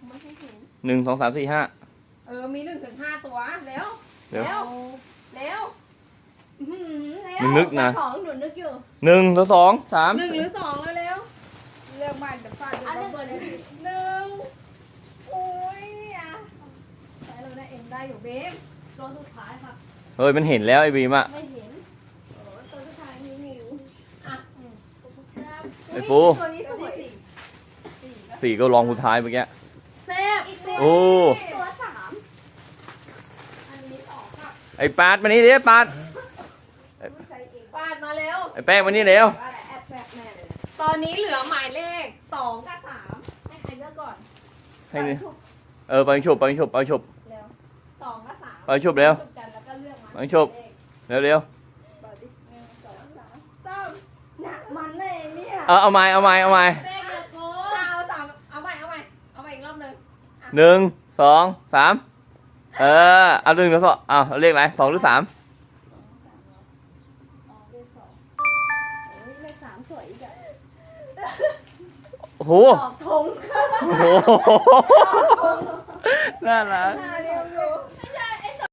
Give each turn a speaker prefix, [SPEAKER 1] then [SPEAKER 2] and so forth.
[SPEAKER 1] ไม่ให้เห็น
[SPEAKER 2] 1 2 3 4 5
[SPEAKER 1] มี1 ถึง 5 ตัวเร็ว
[SPEAKER 2] เร็ว
[SPEAKER 1] เร็ว
[SPEAKER 2] มึงนึกนะ
[SPEAKER 1] สองหนูนึกอยู่
[SPEAKER 2] 1 2 3
[SPEAKER 1] 1 หรือ 2แล้วเร็ว
[SPEAKER 3] เรื่องมันจะฟาด
[SPEAKER 1] อัน
[SPEAKER 3] ดั
[SPEAKER 1] นึ
[SPEAKER 3] บ
[SPEAKER 1] ง
[SPEAKER 3] เบิลเลย
[SPEAKER 1] โอ้ยอ่ะใช้เราได้เอ็มได้อยู่เบมตัวสุดท้ายค่ะ
[SPEAKER 2] เฮ้ยมันเห็นแล้วไอ้บีมอ่ะ
[SPEAKER 1] ไม่เห็นตัวสุดท้ายมีหมิวอ่ะ
[SPEAKER 2] ไอ้ปู
[SPEAKER 1] ตัวนี้สวย
[SPEAKER 2] 4ก็ลองสุดท้ายเมื่อกี้
[SPEAKER 1] แซ่บอีกตัว
[SPEAKER 2] โอ้
[SPEAKER 1] ตัว3อันนี้2ค่ะ
[SPEAKER 2] ไอ้ปาดมานี่ดิปาด
[SPEAKER 1] ปาดมาเร็ว
[SPEAKER 2] ไอ้แป้งมานี่เร็ว
[SPEAKER 3] อะไรแอบแฝงแม่เลย
[SPEAKER 1] ตอนนี้เหลือหมายเลข2 กับ 3ให้ใครเลือกก่อน
[SPEAKER 2] ให้นี่ไปฉุบไปฉุบไปฉุบ
[SPEAKER 1] เร็ว2 กับ 3
[SPEAKER 2] ไปฉุบเร็ว
[SPEAKER 1] กันแล้วก็เลือกมา
[SPEAKER 2] ไปฉุบเร็วเร็ว
[SPEAKER 3] บอกดิ
[SPEAKER 1] 1 2 3
[SPEAKER 3] หนักมันเลยเนี่ย
[SPEAKER 2] เอาใหม่เอาใหม่เอาใหม่
[SPEAKER 1] แป้งอย่าโกงเอา3เอาใหม่อีกรอบหนึ่ง
[SPEAKER 2] 1 2 3เอา1 2เอาเลขอะไร2 หรือ 3
[SPEAKER 3] เลข3สวยอีกอะ
[SPEAKER 2] โอ้โห
[SPEAKER 1] ตอบธง
[SPEAKER 2] โอ้โหน่ารัก
[SPEAKER 1] หน้าดิ